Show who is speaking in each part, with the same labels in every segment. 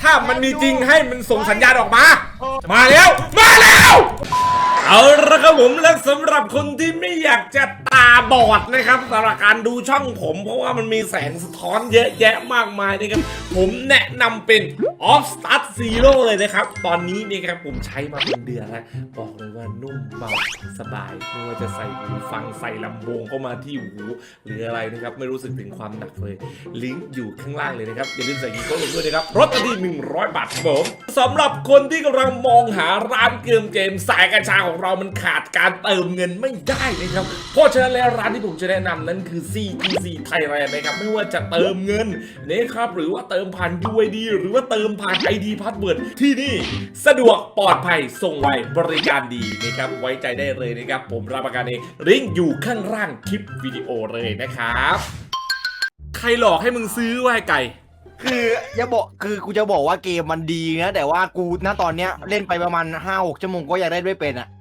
Speaker 1: ถ้ามันมีจริงให้มันส่งสัญญาณออกมามาแล้วเอาละครับผมและสำหรับคนที่ไม่อยากจะตาบอดนะครับสำหรับการดูช่องผมเพราะว่ามันมีแสงสะท้อนเยอะแยะมากมายนะครับผมแนะนำเป็น Off Start Zero เลยนะครับตอนนี้นี่ครับผมใช้มาเป็นเดือนแล้วบอกเลยว่านุ่มเบาสบายไม่ว่าจะใส่หูฟังใส่ลำโพงเข้ามาที่หูหรืออะไรนะครับไม่รู้สึกถึงความหนักเลยลิงก์อยู่ข้างล่างเลยนะครับอย่าลืมใส่กีโก้ลงด้วยนะครับลดทันที100 บาทครับผมสำหรับคนที่กำลังมองหาร้านเกมสายกัญชาของเรามันขาดการเติมเงินไม่ได้นะครับเพราะฉะนั้นแล้วร้านที่ผมจะแนะนำนั้นคือ CTC Thailand นะครับไม่ว่าจะเติมเงินนะครับหรือว่าเติมผ่าน UID หรือว่าเติมผ่าน ID Password ที่นี่สะดวกปลอดภัยส่งไวบริการดีนะครับไว้ใจได้เลยนะครับผมรับประกันเองลิงก์อยู่ข้างล่างคลิปวิดีโอเลยนะครับใครหลอกให้มึงซื้อไว้ไก่
Speaker 2: คืออย่าบอกคือกูจะบอกว่าเกมมันดีนะแต่ว่ากูณตอนเนี้ยเล่นไปประมาณ 5-6 ชั่วโมงก็ยังได้ไม่เป็นอ่ะ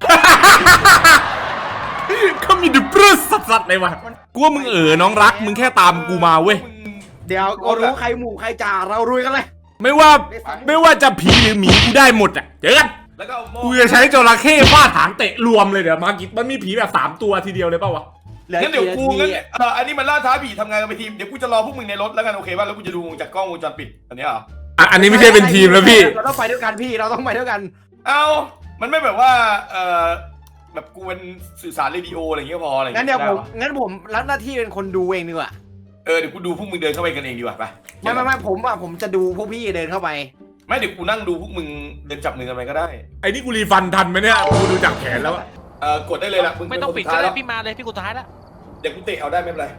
Speaker 1: ก็มีดิปรสสัสๆเลยวะกูว่ามึงน้องรักมึงแค่ตามกูมาเว้ย
Speaker 2: เดี๋ยวก็รู้ใครหมู่ใครจ่าเรารุยกันเลย
Speaker 1: ไม่ว่าจะผีหรือหมีกูได้หมดอ่ะเจอกันแล้วก็กูจะใช้จระเข้ฟาดหางเตะรวมเลยเดี๋ยวมากิมันมีผีแบบ3 ตัวทีเดียวเลยเปล่าวะ
Speaker 3: งั้นเดี๋ยวกูงั้นอันนี้มันล่าท้าผีทำงานกันเป็นทีมเดี๋ยวกูจะรอพวกมึงในรถแล้วกันโอเคป่ะแล้วกูจะดูจากกล้องวงจรปิดอันนี้เหรอ
Speaker 1: อันนี้ไม่ใช่เป็นทีมแล้วพี่
Speaker 2: เราต้องไปด้วยกันพี่เราต้องไปด้วยกัน
Speaker 3: เอามันไม่แบบว่าแบบกูเป็นสื่อสารเรดิโออะไรอย่างเงี้ยพออะไร
Speaker 2: งั้นเดี๋ยวผมรับหน้าที่เป็นคนดูเองดีกว่า
Speaker 3: เดี๋ยวกูดูพวกมึงเดินเข้าไปกันเองดีกว่าไป
Speaker 2: ไม่ผมจะดูพวกพี่เดินเข้าไป
Speaker 3: ไม่เดี๋ยวกูนั่งดูพวกมึงเดินจับมือกันไปก็ได้
Speaker 1: ไอ้นี่กูรีฟันทันไหมเนี่ยกูดูจากแขนแล้ว
Speaker 3: กดได้เลยล่ะ
Speaker 4: ไม่ต้องปิดก็ได้พี่มาเลยพี่กูท้ายแล้ว
Speaker 3: เดี๋ยวกูเตะเอาได้ไม่เป็นไร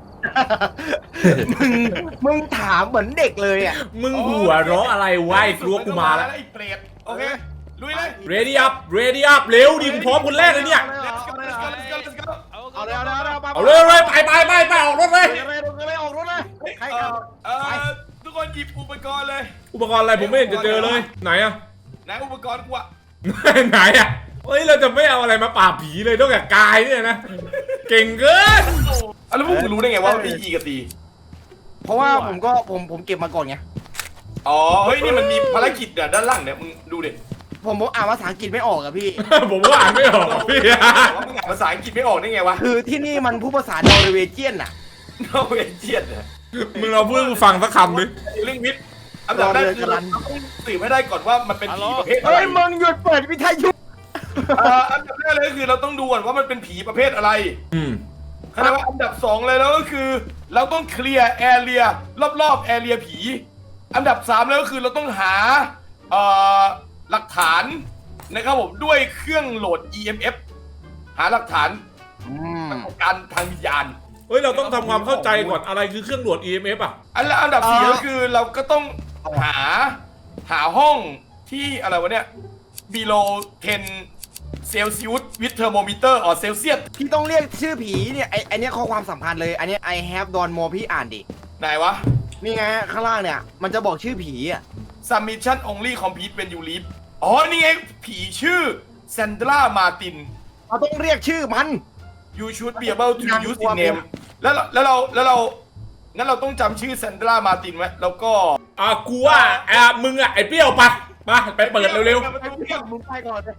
Speaker 2: มึงถามเหมือนเด็กเลยอ่ะ
Speaker 1: มึงหัวเราะอะไรวะไอ้กลัวกูมาแล้ว
Speaker 3: ไอ้เปรตโอเคลุยเลย
Speaker 1: ready up เร็วดิมึงพร้อมคนแรกเลยเนี่ย
Speaker 2: เอา
Speaker 1: เลยไปออกรถเลย
Speaker 2: ออกรถเลยใคร
Speaker 3: ทุกคนหยิบอุปกรณ์เลย
Speaker 1: อุปกรณ์อะไรผมไม่เห็นจะเจอเลยไหนอะ
Speaker 3: ไหนอุปกรณ์กูอะ
Speaker 1: ไหนอะเฮ้ยเราจะไม่เอาอะไรมาปราบผีเลยนอกจากกายเนี่ยนะเก่งเกิน
Speaker 3: แล้วพวกคุณรู้ได้ไงว่ามี E กับ D
Speaker 2: เพราะว่าผมเก็บมาก่อนไง
Speaker 3: อ๋อเฮ้ยนี่มันมีภารกิจด้านล่างเนี่ยมึงดูดิ
Speaker 2: ผมอ่านภาษาอังกฤษไม่ออกอะพี่
Speaker 1: ผมก็อ่านไม่ออกพี่
Speaker 3: ว่ามึงอ่านภาษาอังกฤษไม่ออกได้ไงวะ
Speaker 2: คือที่นี่มันพูดภาษานอร์เวเจียนอะ
Speaker 3: นอร์เวเจียนเนี่ย
Speaker 1: มึงเอาเพื่อนฟังสักคำดิ
Speaker 3: เรื่องพิษอันดับแรกคือเราต้องสืบให้ได้ก่อนว่ามันเป็นผีประเภทอะไร
Speaker 2: เฮ้ยมึงหยุดเปิดวิทยุ
Speaker 3: อันดับแรกเลยคือเราต้องดูก่อนว่ามันเป็นผีประเภทอะไรคณะว่าอันดับ2เลยแล้วก็คือเราต้องเคลียร์แอเรียรอบๆแอเรียผีอันดับ3แล้วก็คือเราต้องหาหลักฐานนะครับผมด้วยเครื่องโหลด EMF หาหลักฐานการทางวิญญาณ
Speaker 1: เฮ้ยเราต้องทำความเข้าใจก่อนอะไรคือเครื่องโหลด EMF อ่ะ
Speaker 3: อันดับ4ก็คือเราก็ต้องหาห้องที่อะไรวะเนี่ย below 10 Celsius with thermometer or Celsius
Speaker 2: พี่ต้องเรียกชื่อผีเนี่ยไอเนี้ยข้อความสัมพันธ์เลยอันเนี้ย I have done more พี่อ่านดิ
Speaker 3: ไหนวะ
Speaker 2: นี่ไงข้างล่างเนี่ยมันจะบอกชื่อผีอ่ะ
Speaker 3: submission only complete when you leave อ๋อนี่ไงผีชื่อ Sandra Martin
Speaker 2: เราต้องเรียกชื่อมัน
Speaker 3: you should be able to use the name แล้วเรางั้นเราต้องจำชื่อ Sandra Martin ไว้แล้วก็
Speaker 1: กูว่ามึงไอ้เปรี้ยวไปเปิดเร็ว
Speaker 2: ๆมึงไปก่อนเลย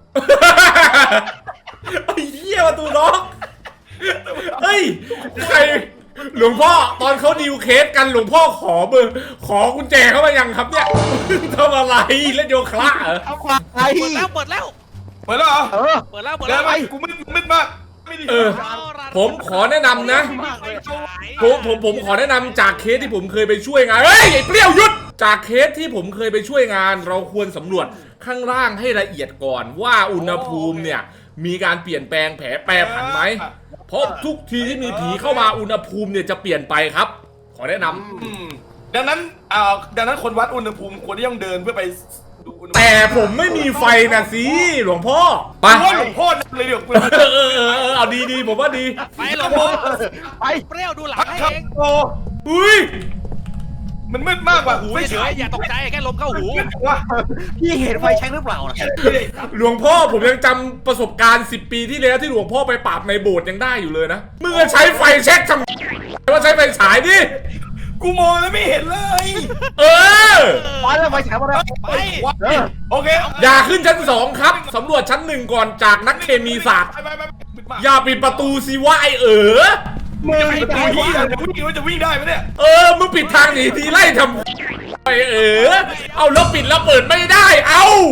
Speaker 1: ไอ้เหี้ยประตูล็อกเฮ้ยใครหลวงพ่อตอนเขาดีลเคสกันหลวงพ่อขอกุญแจเข้ามายังครับเนี่ยทำอะไรเล่นโยคะเหรอ
Speaker 2: เอาความไป
Speaker 4: เปิดแล้ว
Speaker 3: เหรอ
Speaker 4: เปิดแล้ว
Speaker 3: กูมืดมาก
Speaker 1: ผมขอแนะนำนะผมขอแนะนำจากเคสที่ผมเคยไปช่วยงานเฮ้ยไอ้เปรี้ยวหยุดจากเคสที่ผมเคยไปช่วยงานเราควรสำรวจข้างล่างให้ละเอียดก่อนว่าอุณหภูมิเนี่ยมีการเปลี่ยนแปลงแปรผันไหมเพราะทุกทีที่มีผีเข้ามาอุณหภูมิเนี่ยจะเปลี่ยนไปครับขอแนะน
Speaker 3: ำดังนั้นคนวัดอุณหภูมิควรที่ต้องเดินเพื่อไป
Speaker 1: แต่ผมไม่มีไฟนะสิหลวงพ่อ
Speaker 3: ไปหลวงพ่อเลยเดี๋ยว
Speaker 1: เอาดีผมว่าดี
Speaker 4: ไปหลวงพ่อไปเปรี้ยวดูหลังให้เอง
Speaker 1: อุ้ย
Speaker 3: มันมืดมากกว่า
Speaker 4: หูเฉยอย่าตกใจแค่ลมเข้าหู
Speaker 2: พี่เห็นไฟแช็กหรือเปล่า
Speaker 1: หลวงพ่อผมยังจำประสบการณ์10 ปีที่แล้วที่หลวงพ่อไปปราบในโบสถ์ยังได้อยู่เลยนะมึงจะใช้ไฟแช็กทำว่าใช้ไฟฉายดิ
Speaker 3: กูมองแล้วไม่เห็นเลย
Speaker 1: เออ
Speaker 2: ไปแล้วไปฉายมาแล้ว
Speaker 4: ไป
Speaker 3: วะโอเค
Speaker 1: อย่าขึ้นชั้น 2 ครับสำรวจชั้น 1 ก่อนจากนักเคมีศาสตร์
Speaker 3: ไป
Speaker 1: อย่าปิดประตูสิวะไอ
Speaker 3: มึงจะวิ่งได้จะวิ่งได้ไหมเนี่ย
Speaker 1: มึงปิดทางหนีทีไล่ทำไอเอาแล้วปิดแล้วเปิดไม่ได้เอา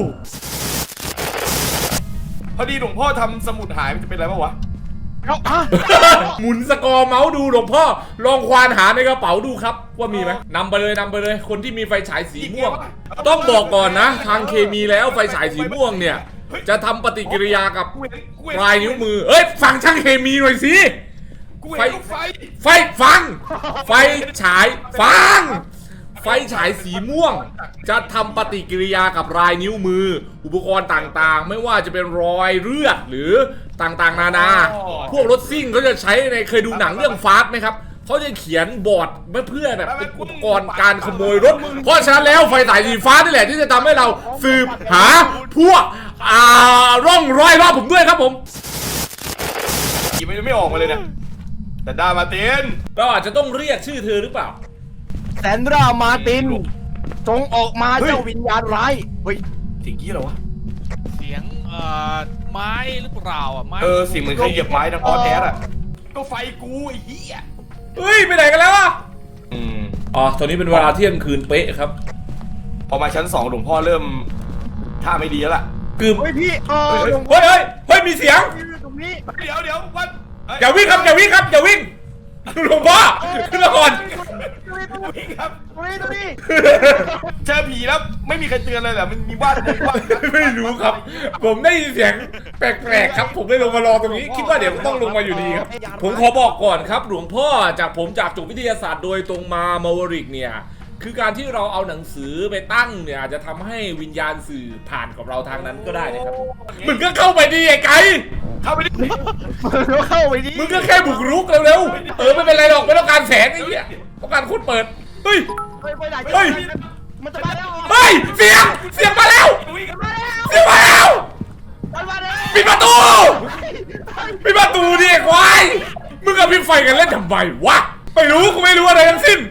Speaker 3: พอดีหลวงพ่อทำสมุดหายมันจะเป็นอะไรบ้างวะ
Speaker 2: เอาอ่ะ
Speaker 1: หมุนสกอร์เมาส์ดูหลวงพ่อลองควานหาในกระเป๋าดูครับว่ามีไหมนำไปเลยคนที่มีไฟฉายสีม่วง ต้องบอกก่อนนะ ทางเคมีแล้วไฟฉายสีม่วงเนี่ยจะทำปฏิกิริยากับปลายนิ้วมือฟังช่างเคมีหน่อยสิ
Speaker 3: กูเห็นลูกไฟ
Speaker 1: ไฟฟัง ไฟฉายฟัง ไฟฉายสีม่วง จะทำปฏิกิริยากับลายนิ้วมือ อุปกรณ์ต่างๆ ไม่ว่าจะเป็นรอยเลือดหรือต่างๆนานา พวกรถซิ่งเขาจะใช้ในเคยดูหนังเรื่องฟาสต์ไหมครับเขาจะเขียนบอร์ดเพื่อแบบเป็นอุปกรณ์การขโมยรถ เพราะฉะนั้นแล้วไฟฉายสีฟ้านี่แหละที่จะทำให้เราสืบหาพวกร่องรอยรอบผมด้วยครับผม
Speaker 3: หยิบไม่ออกมาเลยเนี่ยแต่ดามาเต้น
Speaker 1: ก็อาจจะต้องเรียกชื่อเธอหรือเปล่า
Speaker 2: แซนดรามาร์ตินจงออกมาเจ้าวิญญาณร้ายเฮ้ย
Speaker 3: สิ่งกี้เหรอวะ
Speaker 4: เสียงไม้หรือเปล่าอ่ะไม้
Speaker 3: สิ่งเหมือนใครเหยียบไม้นะออแท้อะก็ไฟกูไอ้เหี้ย
Speaker 1: เฮ้ยไปไหนกันแล้วอ่ะตอนนี้เป็นเวลาเที่ยงคืนเป๊ะครับ
Speaker 3: พอมาชั้น2หลวงพ่อเริ่มท่าไม่ดีแล้วล่ะ
Speaker 1: คือ
Speaker 2: เฮ้ยพี่
Speaker 1: เฮ้ยมีเสียง
Speaker 2: ตรงนี้
Speaker 3: เดี๋ยววัน
Speaker 1: อย่าวิ่งครับอย่าวิ่งหลวงพ่อขึ้นมาก่อน
Speaker 3: วิ่งครับ
Speaker 2: ตรงนี้
Speaker 3: เจอผีแล้วไม่มีใครเตือนเลยเหรอมันมีบ้าน
Speaker 1: ไม่รู้ครับ ผมได้ยินเสียงแปลกๆครับ ผมได้ลงมารอตรงนี้คิดว่าเดี๋ยวต้องลงมาอยู่ดีครับ ผมขอบอกก่อนครับ หลวงพ่อจากจบวิทยาศาสตร์โดยตรงมามาวริกเนี่ยคือการที่เราเอาหนังสือไปตั้งเนี่ยอาจจะทำให้วิญญาณสื่อผ่านกับเราทางนั้นก็ได้นะครับมึงก็เข้าไปดีไอ้ไก่
Speaker 3: เข้าไปดิ
Speaker 2: เข้าไปดิ
Speaker 1: มึงก็แค่บุกรุกเร็วๆไม่เป็นไรหรอกไม่ต้องการแสงไอ้เหี้ยต้องการคนเปิดเฮ้ย
Speaker 2: ไปไหน
Speaker 1: เฮ้ย
Speaker 2: มันจะมาแล้ว
Speaker 1: เฮ้ยเสียงมาแล้วเสียงมาแล้วปิดประตูดิควายมึงกับพี่ไฟกันเล่นทำไมวะไม่รู้กูไม่รู้อะไรทั้งสิ้น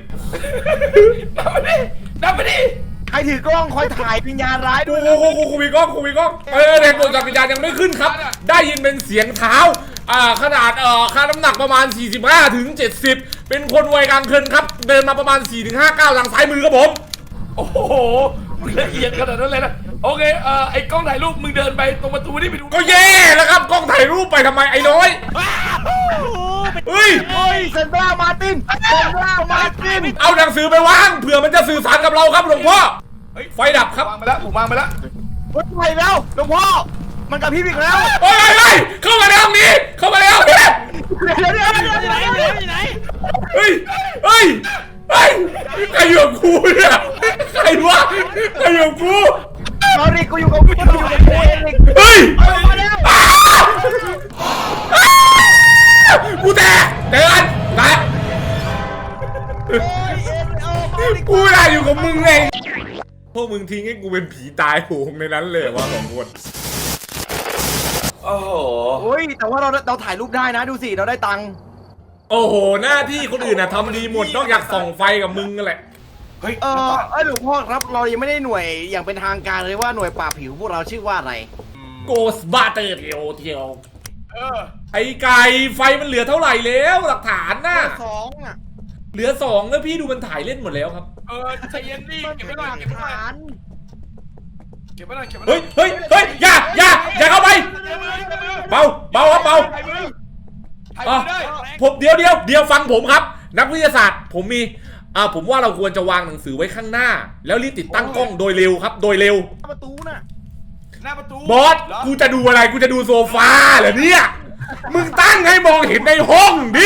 Speaker 3: นับไปดิ
Speaker 2: ใครถือกล้องคอยถ่ายวิญญาณร้าย
Speaker 1: กูมีกล้องแรงกดจักรยานยังไม่ขึ้นครับได้ยินเป็นเสียงเท้าขนาดค่าน้ำหนักประมาณ45 ถึง 70เป็นคนวัยกลางคนครับเดินมาประมาณ4 ถึง 5 ก้าวทางซ้ายมือครับผม
Speaker 3: โอ้โหละเอียดขนาดนั้นเลยนะโอเคไอ้กล้องถ่ายรูปมึงเดินไปตรงประตูนี่ไปดู
Speaker 1: ก็แย่แล้วครับกล้องถ่ายรูปไปทำไมไอ้น้อยเฮ้ย
Speaker 2: เซนดรามาร์ติน
Speaker 1: เอาหนังสือไปวางเผื่อมันจะสื่อสารกับเราครับหลวงพ่อไฟดับครับ
Speaker 3: วางไปแล้วผมวางไปแล้ว
Speaker 2: เฮ้ยไปแล้วหลวงพ่อมันกระพริบอีกแล้ว
Speaker 1: เฮ้ยเข้ามาในห้องนี้เข้ามาในห้องนี้
Speaker 2: เดี๋ยว
Speaker 4: อยู่ไหน
Speaker 1: เฮ้ยใครอยู่กับกูเนี่ยใครวะใครอยู่กับกู
Speaker 2: เอาดิกูอยู่กับกูเอง
Speaker 1: เฮ้ย
Speaker 2: มาแล้ว
Speaker 1: กูแตกเดินนะกูไม่ได้อยู่กับมึงไงพวกมึงทิ้งให้กูเป็นผีตายโหงในนั้นเลยว่า2 คน
Speaker 3: โอ้โห
Speaker 2: โอ้ยแต่ว่าเราถ่ายรูปได้นะดูสิเราได้ตังค์
Speaker 1: โอ้โหหน้าที่คนอื่นน่ะทำดีหมดนอกจากส่องไฟกับมึงนั่นแหละ
Speaker 3: เฮ้ย
Speaker 2: หลวงพ่อครับเรายังไม่ได้หน่วยอย่างเป็นทางการเลยว่าหน่วยปราบผิวพวกเราชื่อว่าอะไร
Speaker 1: โกสบาเตอร์เทียวไอ้ไก่ไฟมันเหลือเท่าไหร่แล้วหลักฐานน่ะ
Speaker 2: 2อ่ะ
Speaker 1: เหลือ2แล้วพี่ดูมันถ่ายเล่นหมดแล้วครับ
Speaker 3: ใจเย็นดิ
Speaker 2: มัน
Speaker 3: เก็บ
Speaker 2: เป็
Speaker 3: ไว้
Speaker 2: น
Speaker 3: หน่
Speaker 2: ห
Speaker 3: อย
Speaker 2: ลักฐาน
Speaker 3: เก็บไว้หน่อย
Speaker 1: เฮ้ยอย่าเข้าไปเบาครับเบา
Speaker 3: ถ่ายมือ
Speaker 1: ได้ผมเดี๋ยวฟังผมครับ นักวิทยาศาสตร์ผมมีผมว่าเราควรจะวางหนังสือไว้ข้างหน้า แล้วรีบติดตั้งกล้องโดยเร็วครับโดยเร็ว
Speaker 2: ประตูน่ะ
Speaker 3: หน้าประตู
Speaker 1: บอสกูจะดูอะไรกูจะดูโซฟาเหรอเนี่ยมึงตั้งให้มองเห็นในห้องดิ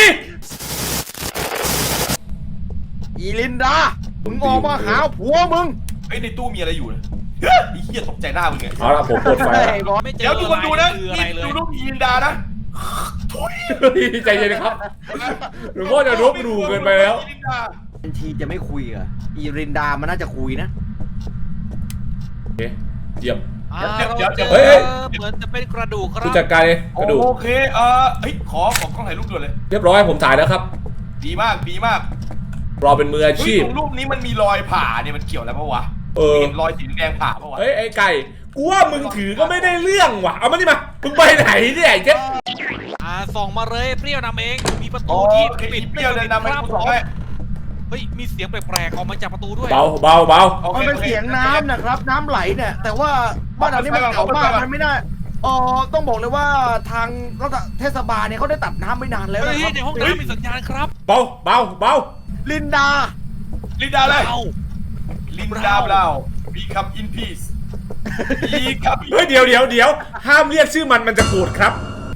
Speaker 2: อีลินดามึงออกมาหาผัวมึง
Speaker 3: ไอ้ในตู้มีอะไรอยู่นะไอ้เหี้ยตกใจหน้ามึงไง
Speaker 1: เอาละผมเปิดไฟแล้ว
Speaker 4: ไม่เจอ
Speaker 3: เดี๋ยวทุกคนดูนะ
Speaker 4: คืออะไรเลย
Speaker 3: ดูรูปยีนดานะ
Speaker 1: ใจเย็นครับหลวงพ่อจะรบดูเกินไปแล้ว
Speaker 2: บัญชีจะไม่คุยอ่ะอีลินดามันน่าจะคุยนะ
Speaker 1: เอ๊ะเยี่ยม
Speaker 4: เฮ้ยเหมือนจะเป็นกระดูกครั
Speaker 1: ผู้
Speaker 4: บ
Speaker 1: จัดการกระดูก
Speaker 3: โอเคเฮ้ยขอกล้องถ่ายรูปด่วนเลย
Speaker 1: เรียบร้อยผมถ่ายแล้วครับ
Speaker 3: ดีมาก
Speaker 1: เราเป็นมืออาชีพ
Speaker 3: ตรงรูปนี้มันมีรอยผ่าเนี่ยมันเกี่ยวอะไรปะวะ เห็นรอยสีแดงผ่าปะวะ
Speaker 1: เฮ้ยไอ้ไก่กูว่ามึงถือก็ไม่ได้เรื่องว่ะเอามานี่มามึงไปไหนเนี่ยไอ้เจ๊
Speaker 4: ส่องมาเลยเปรี้ยวนำเองมีประ
Speaker 3: โอ้
Speaker 4: ตูที่
Speaker 3: ไอ้
Speaker 4: ปิด
Speaker 3: เปรี้ยวเดินนำไปกูสองให้
Speaker 4: เฮ้ยมีเสียงแปลกๆออกมาจากประตูด้วย
Speaker 1: เบาเบาเบา
Speaker 2: มันเป็นเสียงน้ำนะครับน้ำไหลเนี่ยแต่ว่าบ้านเรานี่มันเก่ามากมันไม่ได้ต้องบอกเลยว่าทางรัฐเทศบาลเนี่ยเขาได้ตัดน้ำไม่นานแล้ว
Speaker 4: เฮ้
Speaker 2: นะ
Speaker 4: ย
Speaker 2: ครับ
Speaker 4: ในห้องน้ำมีสัญญาณครับ
Speaker 1: เบาเบาเบา
Speaker 2: ลินดา
Speaker 3: ลินดาเลย
Speaker 4: เอา
Speaker 3: ลินดาเรา become in peace become
Speaker 1: เฮ้ยเดี๋ยวห้ามเรียกชื่อมันจะโกรธครับ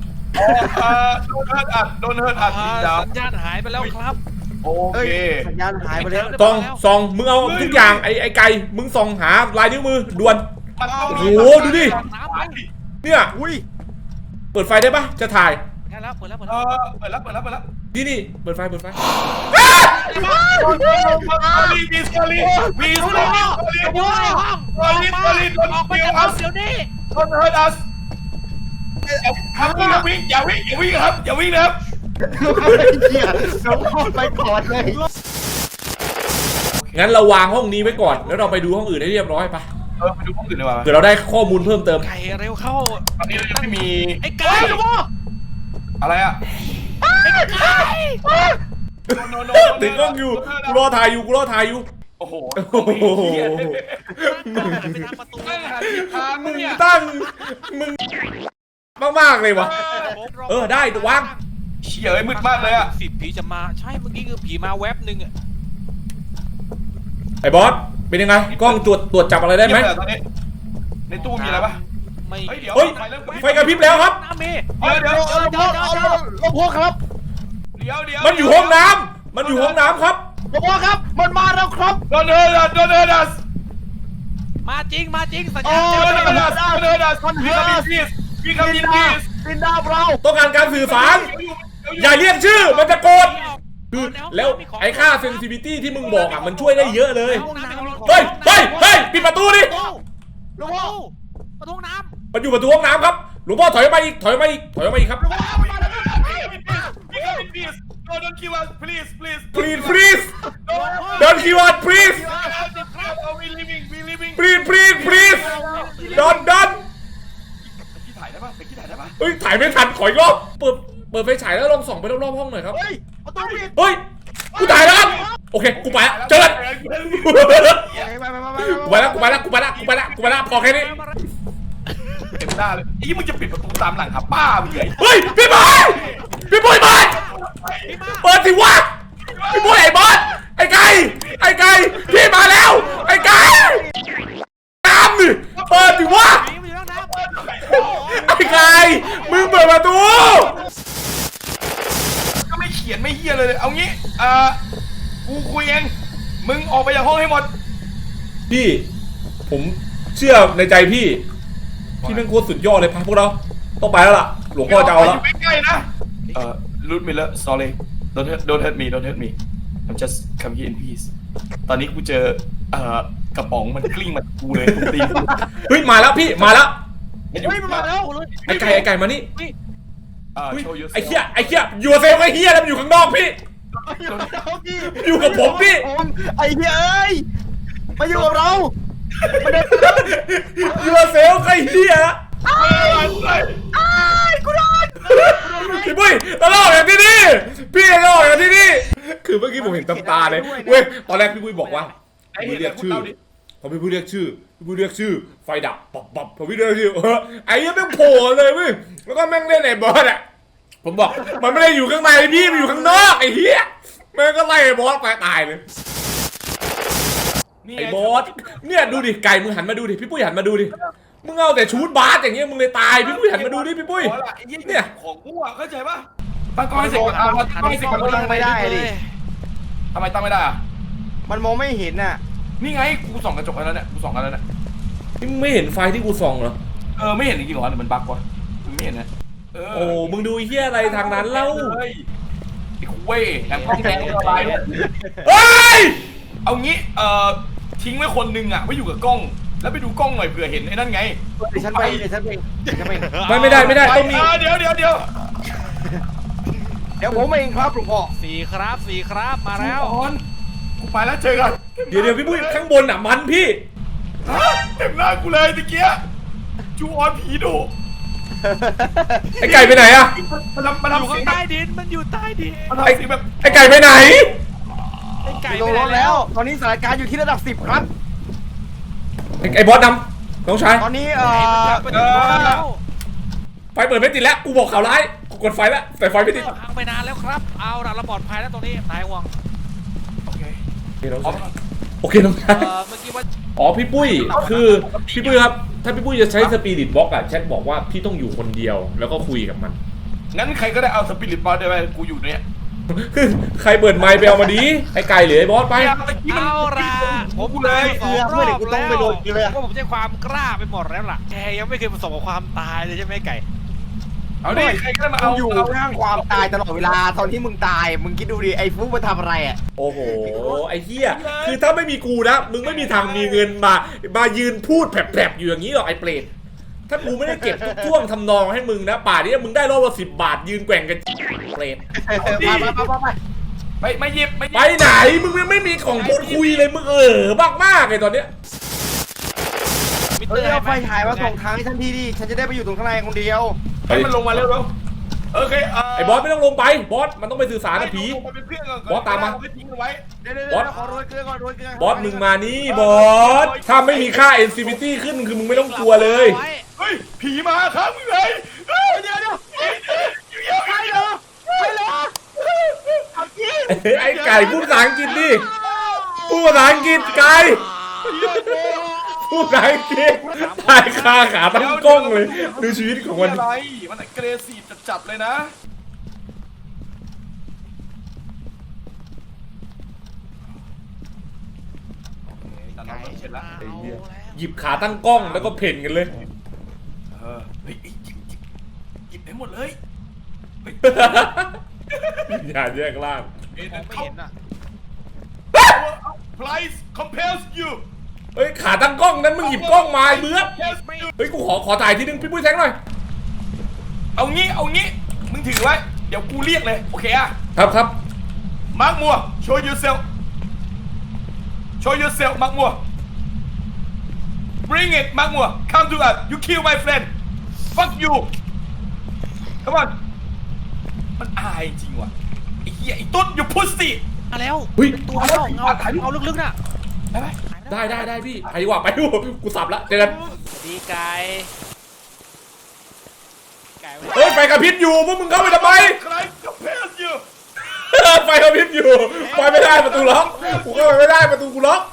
Speaker 3: โดนเฮิร์ตอัดลินดา
Speaker 4: สัญญาณหายไปแล้วครับ
Speaker 3: โอ
Speaker 2: เอ้ย
Speaker 3: เค
Speaker 2: สัญญาณหายไปแล้ว
Speaker 1: ส่องมึงเอาทุกอย่างไอ้ไก่มึงส่องหาลายนิ้วมือด่วน
Speaker 3: มันต้องมี
Speaker 1: โอ้โหดูดิ
Speaker 4: น้ำไป
Speaker 1: เนี่ย
Speaker 2: อุ้ย
Speaker 1: เปิดไฟได้ปะจะถ่าย
Speaker 4: ได้แล้วเปิดแล้ว
Speaker 3: เปิดแล้ว
Speaker 1: นี่เปิดไฟ
Speaker 3: มีสกอรี่
Speaker 4: อยู่ในห้องออกมาจากห้องเดี๋ยวนี้
Speaker 3: โดนเฮิร์ตอัสอย่าวิ่งครับอย่าวิ่งนะครับ
Speaker 2: เหี้ยน้องพ่อไปก่อนเลย
Speaker 1: งั้นเราวางห้องนี้ไว้ก่อนแล้วเราไปดูห้องอื่นให้เรียบร้อยปะ
Speaker 3: ไปดูห้องอื่นดีกว่า
Speaker 1: เดี๋ยวเราได้ข้อมูลเพิ่มเติม
Speaker 4: ไก่เร็วเข้า
Speaker 3: ตอนนี้เรายังไม่มี
Speaker 4: ไอ้ไก่
Speaker 3: อะไรอ่ะ
Speaker 1: ติดกล้องอยู่กูรอถ่ายอยู่
Speaker 3: โอ้โห
Speaker 1: โอ้โห
Speaker 4: ไปทางประตู
Speaker 3: ทางมึงเนี่ย
Speaker 1: ตั้งมึงมากๆเลยวะได้วาง
Speaker 3: เชี่ยเอ้ยมืดมากเลยอ่ะ
Speaker 4: 10ผีจะมาใช่เมื่อกี้คือผีมาแวบนึงอ่ะ
Speaker 1: ไอ้บอสเป็นยังไงกล้องตรวจจับอะไรได้ไหม
Speaker 3: ตอนนี้ในตู้มีอะไรปะ
Speaker 4: ไม่
Speaker 3: เฮ้ยเดี๋ยว
Speaker 1: เฮ้ยไฟกระพริบแล้วครับ
Speaker 4: น้ำมี
Speaker 3: เดี๋ยว
Speaker 2: พ่อครับ
Speaker 1: มันอยู่ห้องน้ำครับ
Speaker 2: พ่อครับมันมาแล้วครับ
Speaker 3: โดนเฮิร์ตอัส
Speaker 4: มาจริงสัญ
Speaker 3: โอ้
Speaker 4: ญาณ
Speaker 3: โดนเฮิร์ตอัสพี่คามินพีส
Speaker 2: ลินดาเรา
Speaker 1: ต้องการการสื่อสารอย่าเรียกชื่อมันจะโกรธคือแล้วไอ้ค่าเซนซิทิวิตี้ที่มึงบอกอ่ะมันช่วยได้เยอะเลยเฮ้ยปิดประตูดิ
Speaker 2: หลวงพ่อ
Speaker 4: ประตูน้
Speaker 1: มันอยู่ประตูห้องน้ำครับหลวงพ่อถอยมาอีกครับ
Speaker 3: พี่คามินพีสโดนคิวอัส please
Speaker 1: please don't kill us please
Speaker 3: we living
Speaker 1: please don't
Speaker 3: พี่ถ่ายได้ปะไปพี่ถ่ายได้ปะ
Speaker 1: เฮ้ยถ่ายไม่ทันขออีกรอบเปิดไฟฉายแล้วลองส่องไปรอบๆห้องหน่อยครับ
Speaker 2: เฮ้ยประตูปิด
Speaker 1: เฮ้ยกูถ่ายแล้วครับโอเคกูไปละเจอกันกูไปละพอแค่นี้
Speaker 3: เต็มหน้าเลยไอ้มึงจะปิดประตูตามหลังครับป้ามึงไง
Speaker 1: เฮ้ยพี่บอยเปิดสิวะพี่บอยไอ้บอสไอ้ไก่พี่มาแล้วไอ้ไก่น้ำดิเปิดสิวะ
Speaker 4: ำผีมันอยู่ในน้ำ
Speaker 1: ไอ้ไก่มึงเปิดประตู
Speaker 3: ก็ไม่เขียนไม่เฮียเลยเอางี้กูคุยเองมึงออกไปจากห้องให้หมด
Speaker 1: พี่ผมเชื่อในใจพี่แม่งโคตรสุดยอดเลยพาพวกเราต้องไปแล้วล่ะหลวงพ่อจะเอาแล้ว
Speaker 3: อยู่ใกล้ๆนะรูดมิลเลอร์ sorry don't hurt me I'm just come here in peace ตอนนี้กูเจอกระป๋องมันกลิ้งมากูเลยกูตีกู
Speaker 1: เฮ้ยมาแล้วพี่มาแล้ว
Speaker 2: เฮ้ยมันมาแล้ว
Speaker 1: ไอ้ไก่มานี่
Speaker 3: show yourself
Speaker 1: ไอ้เหี้ยอยู่เซลไอ้เหี้ยแล้วมันอยู่ข้างนอกพี่ อยู่กับผมพี่
Speaker 2: ไอ้เหี้ยเอ้ยมาอยู่กับเรา
Speaker 1: อยู่เซลไอ้เหี้ยพี่ปุ้ยตลอดอย่างที่นี่พี่ตลอดอย่างที่นี่คือเมื่อกี้ผมเห็นตาเลยเว้ยตอนแรกพี่ปุ้ยบอกว่าพี่ปุ้ยเรียกชื่อพอพี่ปุ้ยเรียกชื่อไฟดับปับพอพี่เรียกชื่อไอ้เหี้ยแม่งโผล่เลยเว้ยแล้วก็แม่งเล่นไอ้บอสอ่ะผมบอกมันไม่ได้อยู่ข้างในพี่มันอยู่ข้างนอกไอ้เหี้ยแม่งก็ไล่ไอ้บอสไปตายเลยไอ้บอสเนี่ยดูดิไก่มึงหันมาดูดิพี่ปุ้ยหันมาดูดิมึงเอาแต่ชูดบาสอย่างเงี้ยมึงเลยตายพี่ปุ้ยหันมาดูดิพี่ปุ้ยเนี่ย
Speaker 3: ของกูอ่ะเข้าใจปะตั้งกล้องให้เสร็จก่อนตั้งกล้องให้เสร็จก่อน
Speaker 2: ตั้งไม่ได้ดิ
Speaker 3: ทำไมตั้งไม่ได้อ่ะ
Speaker 2: มันมองไม่เห็นน่ะ
Speaker 3: นี่ไงกูส่องกระจกแล้วเนี่ยกูส่องกันแล้วเนี่ย
Speaker 1: นี่มึงไม่เห็นไฟที่กูส่องเหรอ
Speaker 3: ไม่เห็นจริงๆเหรอหรือมันบั๊กวะมึงไม่เห็นนะ
Speaker 1: โอ้มึงดูไอ้เหี้ยอะไรทางนั้นเล่า
Speaker 3: ไอ้คุเว้ยแหลมกล้องแดงอะไร
Speaker 1: เฮ้ย
Speaker 3: เอางี้ทิ้งไว้คนนึงอ่ะไว้อยู่กับกล้องแล้วไปดูกล้องหน่อยเผื่อเห็นไอ้นั่นไง
Speaker 2: เดี๋ยวฉันไป
Speaker 1: ไม่ได้ต้องมี
Speaker 3: เดี๋ยว
Speaker 2: เดี๋ยวผมเองครับหลวงพ่อ
Speaker 4: 4 ครับมาแล้ว
Speaker 3: ก่อนกูไปแล้วเจอกัน
Speaker 1: เดี๋ยวพี่ปุ้ยข้างบนอ่ะมันพี่
Speaker 3: ฮะเต็มหน้ากูเลยตะเกียจูออนผีดุ
Speaker 1: ไอ้ไก่ไปไหนอะ
Speaker 3: มัน
Speaker 4: อยู่
Speaker 3: ทำเสี
Speaker 4: ข้าย ง
Speaker 3: ง
Speaker 4: ใต้ดินมันอยู่ใต้ดิน
Speaker 3: มันทำเสียงแบบ
Speaker 1: ไอ้ไก่ไปไหน
Speaker 4: ไอ้ไก่
Speaker 2: ล
Speaker 4: ไป
Speaker 2: ง
Speaker 4: ไหน
Speaker 2: รถแล้ว ตอนนี้สถานการณ์อยู่ที่ระดับ 10 ครับ
Speaker 1: ไอ้บอสนำน้องชาย
Speaker 2: ตอนนี้
Speaker 4: ไปถึงรถแล้ว
Speaker 1: ไฟเปิดไม่ติดแล้วกูบอกข่าวร้ายกูกดไฟแล้วแต่ไฟไม่ติด
Speaker 4: พังไปนานแล้วครับเอาล่ะเราปลอดภัยแล้วตรงนี้นายห่วง
Speaker 3: โอเค
Speaker 1: โอเคน้องชาย
Speaker 4: เมื่อกี้ว่า
Speaker 1: อ๋อพี่ปุ้ยคือพี่ปุ้ยครับถ้าพี่ปุ้ยจะใช้สปิริตบล็อกอะแชทบอกว่าพี่ต้องอยู่คนเดียวแล้วก็คุยกับมัน
Speaker 3: งั้นใครก็ได้เอาสปิริตบอลได้ไหมกูอยู่เนี่ย
Speaker 1: คือใครเปิดไมค์ไปเอามาดีไอ้ไก่หรือไอ้บอสไป
Speaker 4: เอาล่ะผม
Speaker 3: เลย
Speaker 4: สองรอบแล้วก็ผมใช้ความกล้าไปหมดแล้วล่ะแกยังไม่เคยประสบกับความตายเลยใช่ไหมไก่
Speaker 3: เอาดิใครก็ได้มา
Speaker 2: เอา
Speaker 3: เอา
Speaker 2: อยู่ข้างความตายตลอดเวลา ตอนที่มึงตาย มึงคิดดูดิ ไอ้ฟุ๊กมาทำอะไรอ่ะ
Speaker 1: โอ้โหไอ้เหี้ยคือถ้าไม่มีกูนะมึงไม่มีทางมีเงินมายืนพูดแผลบๆอยู่อย่างนี้หรอกไอ้เปรตถ้ากูไม่ได้เก็บทุกท่วงทำนองให้มึงนะป่านี้มึงได้รอบละ10 บาทยืนแกว่งกันเปรต
Speaker 3: ไม่หยิบ
Speaker 1: ไปไหนมึงยังไม่มีของพูดคุยเลยมึงบ้ามากเลยตอนเนี้ย
Speaker 4: มิ
Speaker 2: เฮ้
Speaker 4: เตอย ร์
Speaker 2: เอาไฟ
Speaker 4: ให้ห
Speaker 2: ฉายมาส่องทางให้ฉันทีดิ ฉันจะได้ไปอยู่ตรงข้างในคนเดียว
Speaker 3: ให้มันลงมาเร็วโอเค
Speaker 1: ไอ้บอสไม่ต้องลงไปบอสมันต้องไปสื่อสารกับผี
Speaker 3: เป็นเพื่อนก่อน
Speaker 1: บอสตามมา
Speaker 3: ทิ้งเอาไว้
Speaker 2: เดี๋ยวขอโรยเกลือก่อนโรยเกลือบ
Speaker 1: อสมึงมานี่บอสถ้าไม่มีค่า NCPT ขึ้นคือมึงไม่ต้องกลัวเลย
Speaker 3: เฮ้ยผีมาครับมึงเลยเดี๋ยวใครเหรอ
Speaker 1: ไอ้ไก่พูดภาษาอังกฤษดิพูดภาษาอังกฤษไก่พูดภาษาอังกฤษตายคาขาตั้งกล้องเลยดูชีวิตของมัน
Speaker 3: อะไรมันเกรซีฟจัดเลยนะแต่เราเสร็จแล้ว
Speaker 1: ไอ้เหี้ยหยิบขาตั้งกล้องแล้วก็เพ่นกันเลย
Speaker 3: เฮ้ยหยิบให้หมดเลย
Speaker 1: อย่าแยกล่าง
Speaker 4: ไม่เห็นอ่ะ
Speaker 3: Price compels you
Speaker 1: เฮ้ยขาตั้งกล้องนั้นมึงหยิบกล้องมาไอ้เบื้อ
Speaker 4: ไม่
Speaker 1: เฮ้ยกูขอถ่ายทีนึงพี่ปุ้ยแทงหน่อย
Speaker 3: เอางี้มึงถือไว้เดี๋ยวกูเรียกเลยโอเคอะ
Speaker 1: ครับ
Speaker 3: มาร์กมัว show yourselfมาร์กมัว bring it มาร์กมัว come to us you kill my friend fuck you come on มันอายจริงว่ะไอ้เหี้ยไอ้ตุ๊ด you pussy
Speaker 4: มาแล้ว
Speaker 1: เฮ้ย
Speaker 4: ตัวเงาลึกๆน่ะ
Speaker 3: ได้ไหม
Speaker 1: ได้พี่ไปดีกว่าไปดูกูสับละเจอกัน
Speaker 4: ดีไก่ไก่
Speaker 1: เฮ้ยไฟกระพริบอยู่พวกมึงเข้าไปทำไม
Speaker 3: Christ compels you
Speaker 1: ไฟกระพริบอยู่ไปไม่ได้ประตูล็อกกูเข้าไปไม่ได้ประตูกูล็อก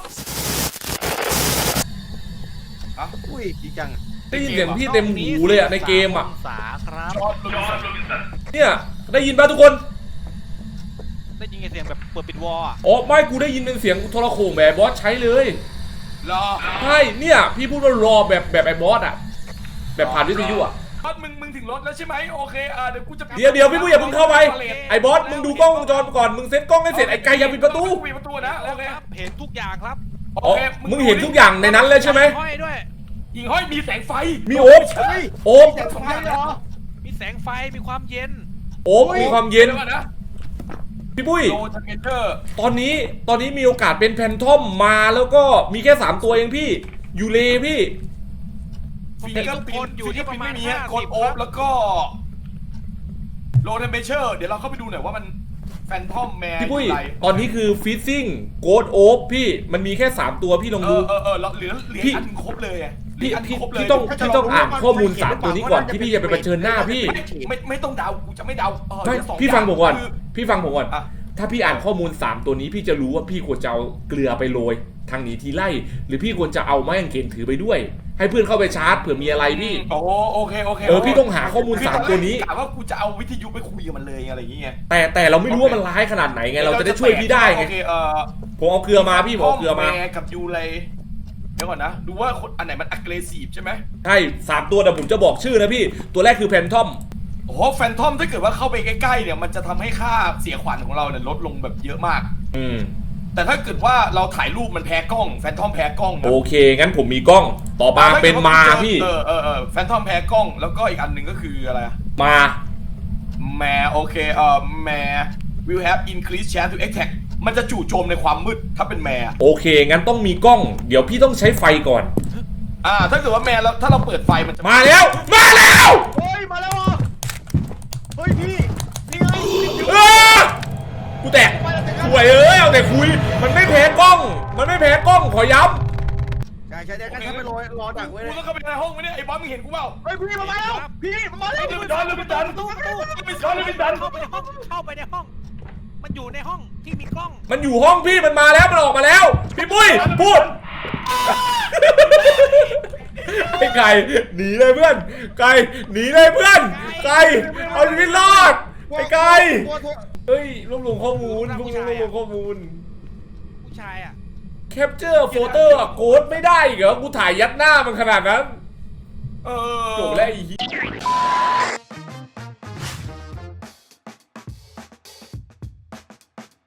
Speaker 2: อุ้ยดีจัง
Speaker 1: ได้ยินเสียงพี่เต็มหูเลยอะในเกมอะ
Speaker 4: องศาครับ
Speaker 3: จอร์จ
Speaker 1: เนี่ยได้ยินป่ะทุกคน
Speaker 4: ได้ยินเสียงแบบเปิดปิดวอลอ่ะ
Speaker 1: อ๋อไม่กูได้ยินเป็นเสียงโทรโข่งแบบบอสใช้เลย
Speaker 3: รอ
Speaker 1: ใช่เนี่ยพี่พูดว่ารอแบบไอ้บอสอะแบบผ่านวิทยุอะ
Speaker 3: บอสมึงถึงรถแล้วใช่ไหมโอเคเดี๋ยวกูจะ
Speaker 1: เดี๋ยวพี่ปุ้ยอย่าเพิ่งเข้าไปไอ้บอสมึงดูกล้องวงจรก่อนมึงเซ็ตกล้องให้เสร็จไอ้ไก่อย่าปิดประตู
Speaker 3: ปิดประตูนะโอเค
Speaker 4: ครับเห็นทุกอย่างครับ
Speaker 1: อ๋อมึงเห็นทุกอย่างในนั้นเลยใช่ไหม
Speaker 4: ห้อยด้วย
Speaker 3: หิ่งห้อยมีแสงไฟ
Speaker 1: มีโอ๊บ
Speaker 2: เฮ้ย
Speaker 1: โอ๊บ
Speaker 2: แต่สองอย่างเหรอ
Speaker 4: มีแสงไฟมีความเย็น
Speaker 1: โอ๊บมีความเย็น
Speaker 3: ดี๋วก่อนะ
Speaker 1: พี่ปุ้ย
Speaker 3: โลเทมเปอร์
Speaker 1: ตอนนี้มีโอกาสเป็นแพนทอมมาแล้วก็มีแค่3ตัวเองพี่ยูเลพี่
Speaker 3: ฟิงเกอร์ปิ้นอยู่ที่ประมาณ50กดโอ๊บแล้วก็โลเทมเปอร์เดี๋ยวเราเข้าไปดูหน่อยว่ามันแฟนทอมแมร์
Speaker 1: พี่ปุ้ย
Speaker 3: อะไร
Speaker 1: ตอนนี้คือฟิซซิ่งโกดโอ๊บพี่มันมีแค่3ตัวพี่ลองดู
Speaker 3: เราเหลืออันครบเลยอ่ะ
Speaker 1: พี่ต้องอ่านข้อมูล3ตัวนี้ก่อนที่พี่จะไปเผชิญหน้าพี่
Speaker 3: ไม่ต้องเดากูจะไม่เดา
Speaker 1: ไม่
Speaker 3: เดี๋ยวสอ
Speaker 1: พี่ฟังผมก่อน
Speaker 3: คือ
Speaker 1: พี่ฟังผมก่อน
Speaker 3: อ่ะ
Speaker 1: ถ้าพี่อ่านข้อมูล3ตัวนี้พี่จะรู้ว่าพี่ควรจะเอาเกลือไปโรยทางหนีทีไล่หรือพี่ควรจะเอาไม้กางเขนถือไปด้วย ให้เพื่อนเข้าไปชาร์จเผื่อมีอะไรพี่
Speaker 3: โอเค
Speaker 1: พี่ต้องหาข้อมูล3ตัวนี้
Speaker 3: กะว่ากูจะเอาวิทยุไปคุยกับมันเลยอะไรอย่างเงี้ย
Speaker 1: แต่เราไม่รู้ว่ามันร้ายขนาดไหนไงเราจะได้ช่วยพี่ได้ไง
Speaker 3: โอเค
Speaker 1: ผมเอาเกลือมาพี่ผมเอาเกลือมา
Speaker 3: แร์กับยูเลยเดี๋ยวก่อนนะดูว่าคนอันไหนมัน aggressive ใช่ไหม
Speaker 1: ใช่3ตัวแต่ผมจะบอกชื่อนะพี่ตัวแรกคือแพนทอม
Speaker 3: โอ้โหแฟนทอมถ้าเกิดว่าเข้าไปใกล้ๆเนี่ยมันจะทำให้ค่าเสียขวัญของเราเนี่ยลดลงแบบเยอะมาก แต่ถ้าเกิดว่าเราถ่ายรูปมันแพ้กล้องแฟนทอมแพ้กล้องนะ
Speaker 1: โอเคงั้นผมมีกล้องต่อมาเป็นมาพี่
Speaker 3: แฟนทอมแพ้กล้องแล้วก็อีกอันหนึ่งก็คืออะไรอะ
Speaker 1: มา
Speaker 3: แมร์โอเคแมร์ will have increased chance to attack มันจะจู่โจมในความมืดถ้าเป็นแม่
Speaker 1: โอเคงั้นต้องมีกล้อง เดี๋ยวพี่ต้องใช้ไฟก่อน
Speaker 3: ถ้าเกิดว่าแม่แล้วถ้าเราเปิดไฟมันจะ
Speaker 1: มาแล้วมาแล้ว
Speaker 2: เฮ้ยมาแล้วเหรอเฮ้ยพี่นี่ไง
Speaker 1: อ้ากูแตกสวยเอาแต่คุยมันไม่แพ้กล้อง มันไม่แพ้กล้องขอย้ำ
Speaker 2: ใช่เดี๋ยวกันฉันไปรอดักไว้เลย
Speaker 3: กูต้องเข้าไปในห้องไหมเนี่ยไอ้บอสมึงเห็นกูเปล่า
Speaker 2: เฮ้ยพี่มาแล้วพี่มาแล้ว
Speaker 3: เฮ้ยมันดันเลยมันดัน
Speaker 4: ตู้
Speaker 3: ไม่ซ้อนเลยมันดัน
Speaker 4: เข้าไปในห้องเข้าไปในห้อง มันอยู่ในห้องที่มีกล้อง
Speaker 1: มันอยู่ห้องพี่มันมาแล้วมันออกมาแล้ว พี่ปุ้ยพูดไอ้ไก่หนีเลยเพื่อนไก่หนีเลยเพื่อนไก่เอาชีวิตรอดไอ้ไก่เฮ้ยรวบรวมข้อมูลรวบรวมข้อมูล
Speaker 4: ผู้ชายอ่ะ
Speaker 1: แคปเจอร์โฟโต้อะโกดไม่ได้อีกเหรอกูถ่ายยัดหน้ามันขนาดนั้น
Speaker 3: เออ
Speaker 1: จบแล้วไอ้เหี้ย